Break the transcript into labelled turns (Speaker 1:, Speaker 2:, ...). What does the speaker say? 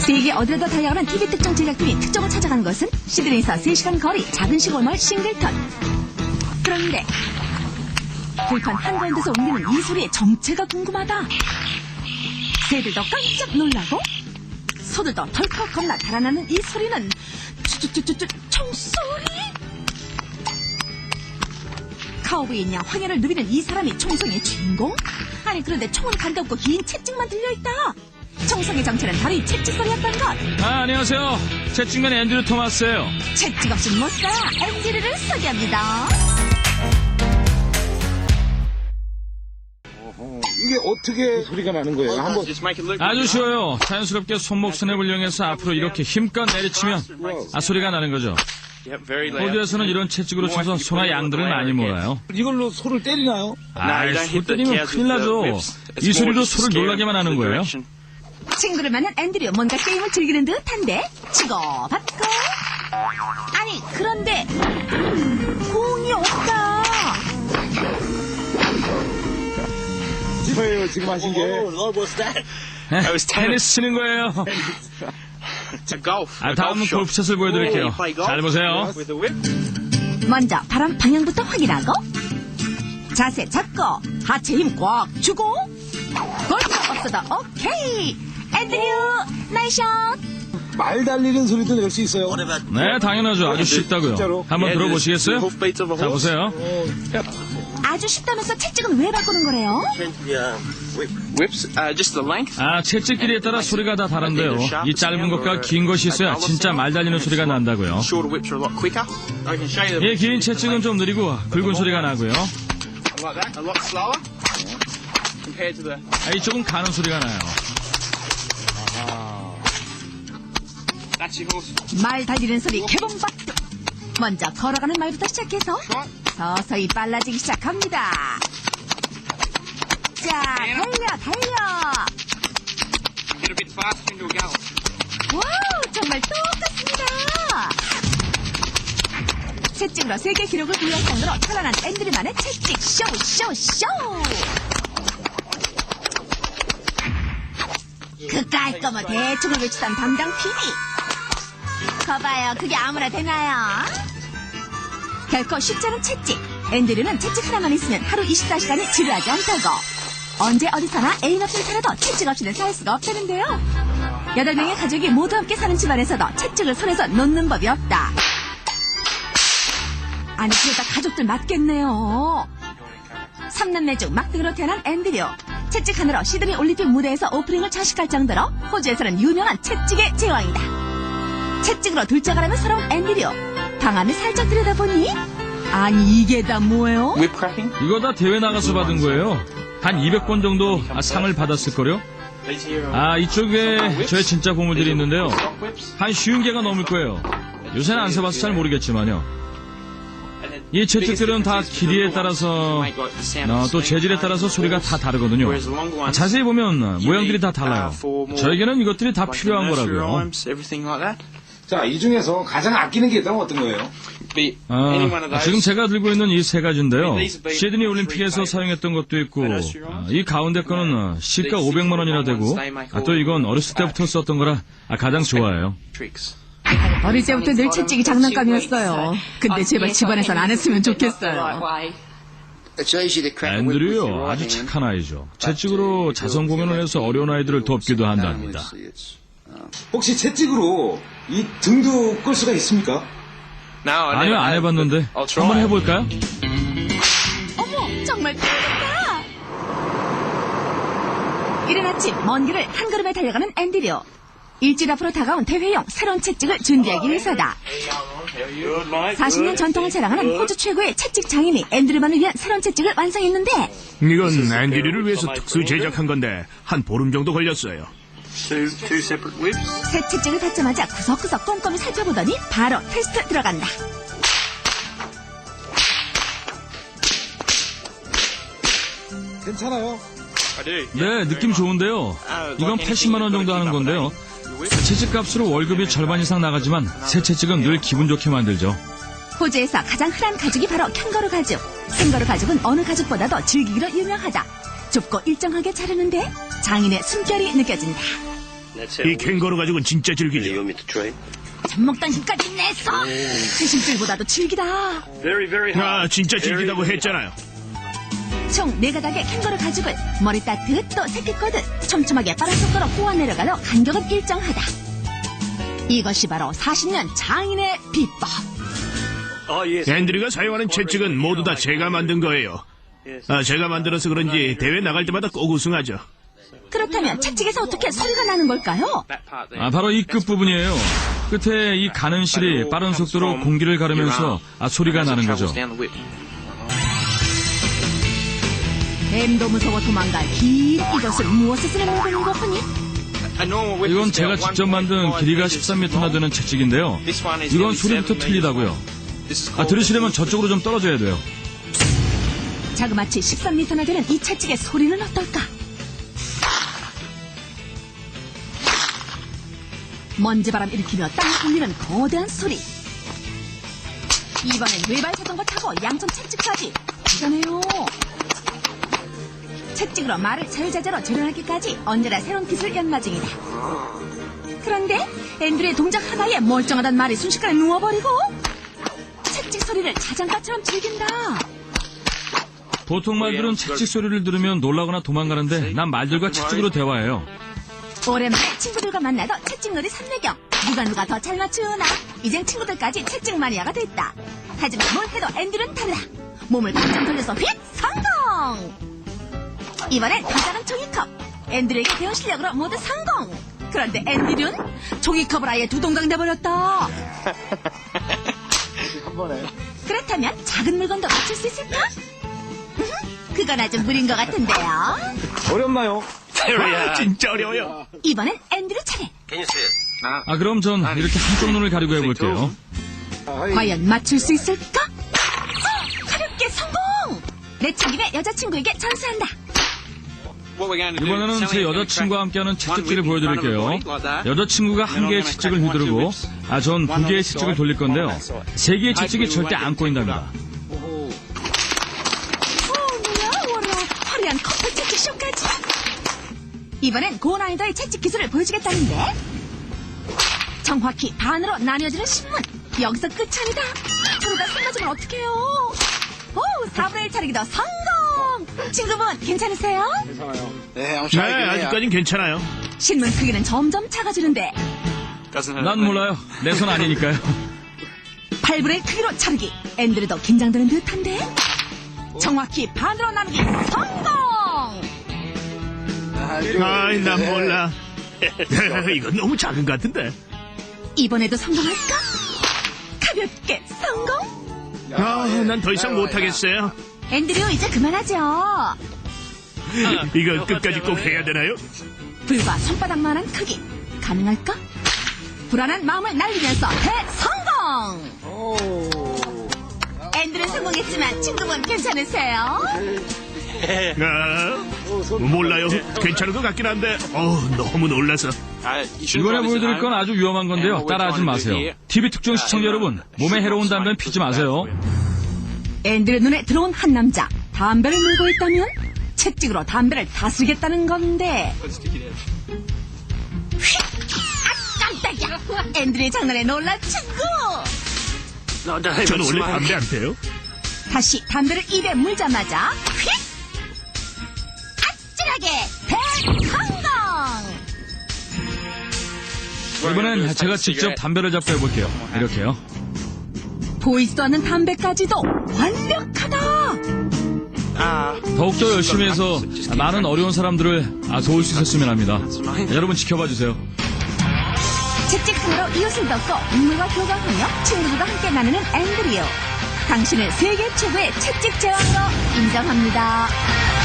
Speaker 1: 세계 어디로도 달려가는 TV 특종 제작팀이 특종을 찾아간 것은 시드니에서 3시간 거리 작은 시골마을 싱글턴. 그런데 들판 한가운데서 울리는 이 소리의 정체가 궁금하다. 새들도 깜짝 놀라고 소들도 덜컥 겁나 달아나는 이 소리는 총소리? 카우보이냐 황야를 누비는 이 사람이 총성의 주인공? 아니 그런데 총은 간도 없고 긴 채찍만 들려있다. 총성의 정체는 바로 이 채찍 소리였던 것.
Speaker 2: 안녕하세요. 채찍맨 앤드류 토마스예요.
Speaker 1: 채찍 없이 못 살아. 앤드류를 소개합니다.
Speaker 3: 이게 어떻게 소리가 나는 거예요? 한번
Speaker 2: 아주 쉬워요. 자연스럽게 손목 스냅을 이용해서 앞으로 이렇게 힘껏 내리치면 소리가 나는 거죠. 호주에서는 이런 채찍으로 쳐서 소나 양들을 많이 몰아요.
Speaker 3: 이걸로 소를 때리나요?
Speaker 2: 소 때리면 큰일 나죠. 이 소리로 소를 놀라게만 하는 거예요.
Speaker 1: 친구를 만난 앤드류 뭔가 게임을 즐기는 듯한데 치고받고 아니 그런데 공이 없다.
Speaker 3: 뭐예요 지금 하신 게?
Speaker 2: 테니스 치는 거예요. 다음은 골프샷을 보여드릴게요. 잘 보세요.
Speaker 1: 먼저 바람 방향부터 확인하고 자세 잡고 하체 힘 꽉 주고 골프가 없어도 오케이. 앤드류 나이샷.
Speaker 3: 말 달리는 소리도 낼 수 있어요.
Speaker 2: 네, 당연하죠. 아주 쉽다고요.
Speaker 3: 진짜로?
Speaker 2: 한번 들어보시겠어요? 자, 보세요.
Speaker 1: 아주 쉽다면서 채찍은 왜 바꾸는 거래요?
Speaker 2: 채찍 길이에 따라 소리가 다 다른데요. 이 짧은 것과 긴 것이 있어야 진짜 말 달리는 소리가 난다고요. 이 긴 채찍은 좀 느리고 굵은 소리가 나고요. 이쪽은 가는 소리가 나요.
Speaker 1: 말 달리는 소리 개봉박두. 먼저 걸어가는 말부터 시작해서 서서히 빨라지기 시작합니다. 자, 달려. 와우, 정말 똑같습니다. 채찍으로 세계 기록을 부여할 정도로 찬란한 앤드류만의 채찍 쇼. 그 깔끔한 대충을 외치던 담당 PD. 거봐요, 그게 아무나 되나요? 결코 쉽지 않은 채찍. 앤드류는 채찍 하나만 있으면 하루 24시간이 지루하지 않다고. 언제 어디서나 애인 없이 살아도 채찍 없이는 살 수가 없다는데요. 8명의 가족이 모두 함께 사는 집안에서도 채찍을 손에서 놓는 법이 없다. 아니 그러다 가족들 맞겠네요. 3남매 중 막둥이로 태어난 앤드류. 채찍 하나로 시드니 올림픽 무대에서 오프닝을 자식할 정도로 호주에서는 유명한 채찍의 제왕이다. 채찍으로 둘째가라는 서러운 앤드류. 방안을 살짝 들여다보니 아니 이게 다 뭐예요?
Speaker 2: 이거 다 대회 나가서 받은 거예요. 한 200번 정도 상을 받았을걸요? 이쪽에 저의 진짜 보물들이 있는데요. 한 50개가 넘을 거예요. 요새는 안 써봐서 잘 모르겠지만요. 이 채찍들은 다 길이에 따라서 또 재질에 따라서 소리가 다 다르거든요. 자세히 보면 모양들이 다 달라요. 저에게는 이것들이 다 필요한 거라고요.
Speaker 3: 자, 이 중에서 가장 아끼는 게 있다면 어떤 거예요?
Speaker 2: 지금 제가 들고 있는 이 세 가지인데요. 시드니 올림픽에서 사용했던 것도 있고 이 가운데 거는 시가 500만 원이나 되고 또 이건 어렸을 때부터 썼던 거라 가장 좋아해요.
Speaker 1: 어릴 때부터 늘 채찍이 장난감이었어요. 근데 제발 집안에선 안 했으면 좋겠어요.
Speaker 2: 앤드류요, 아주 착한 아이죠. 채찍으로 자선 공연을 해서 어려운 아이들을 돕기도 한답니다.
Speaker 3: 혹시 채찍으로 이 등도 끌 수가 있습니까?
Speaker 2: 아니요, 안 해봤는데 한번 해볼까요?
Speaker 1: 어머, 정말 재밌다. 이른 아침 먼 길을 한 걸음에 달려가는 앤드류. 일주일 앞으로 다가온 대회용 새로운 채찍을 준비하기 위해서다. 40년 전통을 자랑하는 호주 최고의 채찍 장인이 앤드류만을 위한 새로운 채찍을 완성했는데
Speaker 4: 이건 앤드류를 위해서 특수 제작한 건데 한 보름 정도 걸렸어요.
Speaker 1: 새 채찍을 받자마자 구석구석 꼼꼼히 살펴보더니 바로 테스트 들어간다.
Speaker 3: 괜찮아요?
Speaker 2: 네, 느낌 좋은데요. 이건 80만 원 정도 하는 건데요. 채찍값으로 월급이 절반 이상 나가지만 새 채찍은 늘 기분 좋게 만들죠.
Speaker 1: 호주에서 가장 흔한 가죽이 바로 캥거루 가죽. 캥거루 가죽은 어느 가죽보다도 즐기기로 유명하다. 좁고 일정하게 자르는데 장인의 숨결이 느껴진다.
Speaker 4: 이 캥거루 가지고는 진짜 즐기죠.
Speaker 1: 젖먹던 힘까지 냈어. 귀신줄보다도 즐기다.
Speaker 4: 아, 진짜 즐기다고 했잖아요.
Speaker 1: 총 4가닥의 캥거루 가죽을 머리 따뜻 또 새끼 거듯 촘촘하게 빠른 속도로 꼬아 내려가도 간격은 일정하다. 이것이 바로 40년 장인의 비법.
Speaker 4: 앤드류가 사용하는 채찍은 모두 다 제가 만든 거예요. 아, 제가 만들어서 그런지 대회 나갈 때마다 꼭 우승하죠.
Speaker 1: 그렇다면 채찍에서 어떻게 소리가 나는 걸까요?
Speaker 2: 바로 이 끝부분이에요. 끝에 이 가는 실이 빠른 속도로 공기를 가르면서 소리가 나는 거죠.
Speaker 1: 뱀도 무서워 도망갈 긴 이것은 무엇을 쓰는 물건인 것 같니?
Speaker 2: 이건 제가 직접 만든 길이가 13m나 되는 채찍인데요. 이건 소리부터 틀리다고요. 들으시려면 저쪽으로 좀 떨어져야 돼요.
Speaker 1: 자그마치 13m나 되는 이 채찍의 소리는 어떨까? 먼지바람 일으키며 땅을 울리는 거대한 소리. 이번엔 외발 자전거 타고 양손 채찍까지. 대단해요. 채찍으로 말을 자유자재로 조련하기까지 언제나 새로운 기술 연마 중이다. 그런데 앤드류의 동작 하나에 멀쩡하단 말이 순식간에 누워버리고 채찍 소리를 자장가처럼 즐긴다.
Speaker 2: 보통 말들은 채찍 소리를 들으면 놀라거나 도망가는데 난 말들과 채찍으로 대화해요.
Speaker 1: 오랜만에 친구들과 만나도 채찍놀이 삼매경. 누가 더 잘 맞추나. 이젠 친구들까지 채찍 마니아가 됐다. 하지만 뭘 해도 앤드류는 달라. 몸을 바짝 돌려서 휙 성공. 이번엔 더 작은 종이컵. 앤드류에게 배운 실력으로 모두 성공. 그런데 앤드류는 종이컵을 아예 두 동강 내버렸다. 그렇다면 작은 물건도 맞출 수 있을까? 그건 아주 무리인 것 같은데요.
Speaker 3: 어렵나요?
Speaker 4: 아, 진짜 어려워요.
Speaker 1: 이번엔 앤드류 차례.
Speaker 2: 그럼 전 이렇게 한쪽 눈을 가리고 해볼게요.
Speaker 1: 과연 맞출 수 있을까? 가볍게 성공! 내친김에 여자친구에게 전수한다.
Speaker 2: 이번에는 제 여자친구와 함께하는 채찍질을 보여드릴게요. 여자친구가 한 개의 채찍을 휘두르고 전 2개의 채찍을 돌릴 건데요. 3개의 채찍이 절대 안 꼬인답니다.
Speaker 1: 뭐야 화려한 커플 채찍 쇼까지. 이번엔 고난이도의 채찍 기술을 보여주겠다는데 정확히 반으로 나뉘어지는 신문. 여기서 끝이 아니다. 서로가 손맞으면 어떡해요. 오, 4분의 1 차리기도 성공. 친구분 괜찮으세요?
Speaker 4: 네, 아직까진 괜찮아요.
Speaker 1: 신문 크기는 점점 작아지는데
Speaker 2: 난 몰라요. 내 손 아니니까요.
Speaker 1: 8분의 1 크기로 차르기. 앤드류도 긴장되는 듯한데 정확히 반으로 나누기 성공.
Speaker 4: 아이, 난 몰라. 이건 너무 작은 것 같은데.
Speaker 1: 이번에도 성공할까? 가볍게 성공.
Speaker 4: 난 더 이상 못하겠어요.
Speaker 1: 앤드류 이제 그만하죠.
Speaker 4: 이거 끝까지 꼭 해야 되나요?
Speaker 1: 불과 손바닥만한 크기. 가능할까? 불안한 마음을 날리면서 대성공. 앤드류 성공했지만 친구분 괜찮으세요?
Speaker 4: 몰라요. 괜찮은 것 같긴 한데 너무 놀라서.
Speaker 2: 이번에 보여드릴 건 아주 위험한 건데요. 따라하지 마세요. TV 특종 시청자 여러분, 몸에 해로운 담배는 피지 마세요.
Speaker 1: 앤드류 눈에 들어온 한 남자. 담배를 물고 있다면 채찍으로 담배를 다스리겠다는 건데. 휙! 깜짝이야. 앤드류의 장난에 놀란 친구.
Speaker 4: 저는 원래 담배 안 피워요.
Speaker 1: 다시 담배를 입에 물자마자 휙! 아찔하게 대성공!
Speaker 2: 이번엔 제가 직접 담배를 잡고 해볼게요. 이렇게요.
Speaker 1: 보이지도 않는 담배까지도 완벽하다.
Speaker 2: 더욱더 열심히 해서 많은 어려운 사람들을 도울 수 있었으면 합니다. 여러분 지켜봐 주세요.
Speaker 1: 채찍 하나로 이웃을 덮고 인물과 교감하며 친구들과 함께 나누는 앤드류. 당신을 세계 최고의 채찍 제왕으로 인정합니다.